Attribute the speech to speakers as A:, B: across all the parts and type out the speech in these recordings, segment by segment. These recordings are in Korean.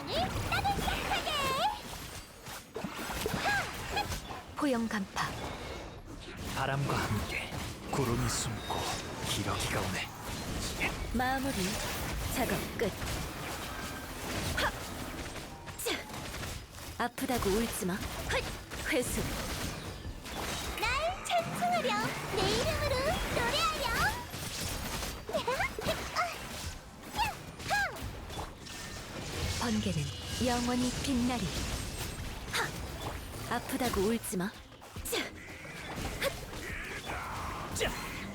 A: 세상을 따뜻하게.
B: 포영 간파.
C: 바람과 함께 구름이 숨고 기러기가 오네.
B: 마무리. 작업 끝. 하! 자! 아프다고 울지마. 헛! 회수.
A: 날 찬송하렴. 내 이름으로 노래하렴.
B: 번개는 영원히 빛나리. 하! 아프다고 울지마. 자!
C: 자!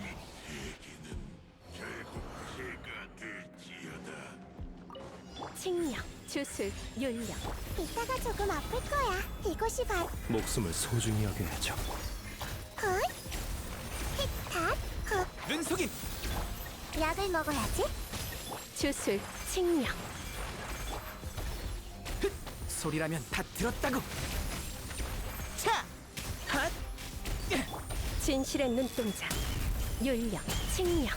B: 칭령, 주술, 윤령.
A: 이따가 조금 아플 거야. 이곳이 바로
C: 목숨을 소중히 여겨야죠.
A: 헛, 틱탁, 헛.
C: 눈속임!
A: 약을 먹어야지.
B: 주술, 칭령.
C: 소리라면 다 들었다고! 차! 핫!
B: 진실의 눈동자. 윤령, 칭령.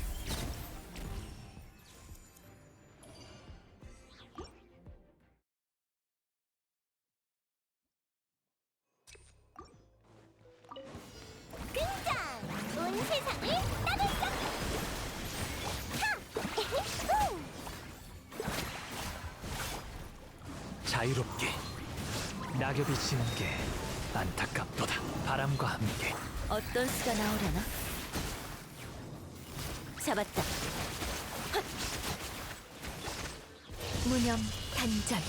A: 등장! 온 세상을 따뜻하게. 하! 후!
C: 자유롭게 낙엽이 지는 게 안타깝도다. 바람과 함께
B: 어떤 수가 나오려나? 잡았다. 헛! 무념 단전.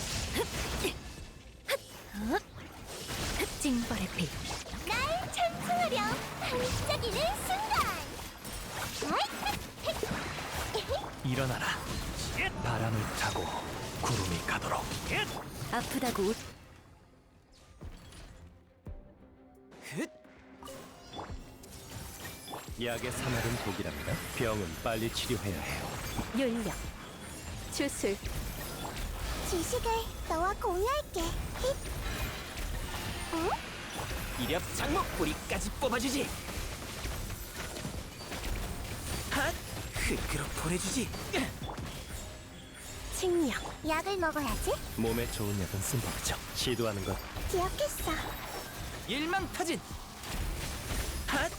B: 징벌의 빛.
A: 날 찬송하렴. 반짝이는 순간.
C: 일어나라. 바람을 타고 구름이 가도록.
B: 아프다고 울.
C: 약의 사말은 독이랍니다. 병은 빨리 치료해야 해요.
B: 윤령. 주술.
A: 지식을 너와 공유할게. 힛. 어?
C: 이력 장목 뿌리까지 뽑아주지. 핫! 흙으로 보내주지.
B: 칭령.
A: 약을 먹어야지.
C: 몸에 좋은 약은 쓴 법이죠. 시도하는 것
A: 기억했어.
C: 일망타진. 핫!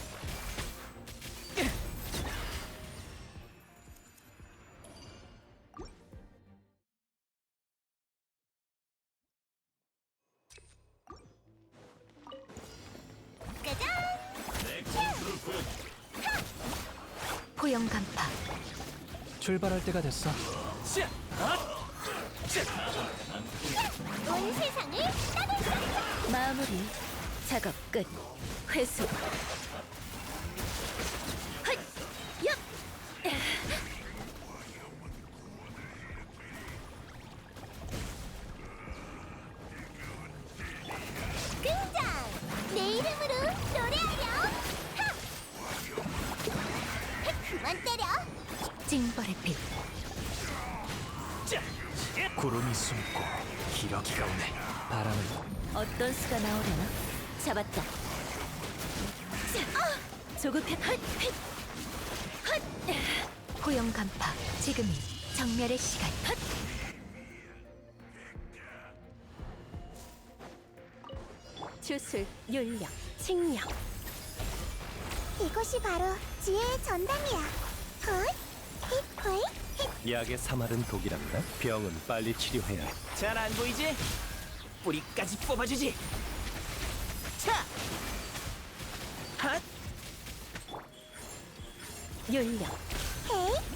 A: 짜잔!
B: 포영 간파.
C: 출발할 때가 됐어. 자! 핫! 자!
A: 온 세상을 따뜻하게.
B: 마무리. 작업 끝. 회수. 헛! 얍!
A: 등장! 내 이름으로 노래하렴. 하! 그만 때려.
B: 징벌의 빛.
C: 자! 구름이 숨고 기러기가 오네. 바람을
B: 어떤 수가 나오려나? 잡았다. 자! 조급해. 헛! 헛! 헛! 포영 간파. 지금이 정멸의 시간. 헛! 주술, 윤령, 칭령.
A: 이곳이 바로 지혜의 전당이야. 헛! 힛! 홀! 힛!
C: 약의 사말은 독이랍니다. 병은 빨리 치료해야 해. 잘 안 보이지? 뿌리까지 뽑아주지. 차! 핫!
B: 윤령.
A: 헤이!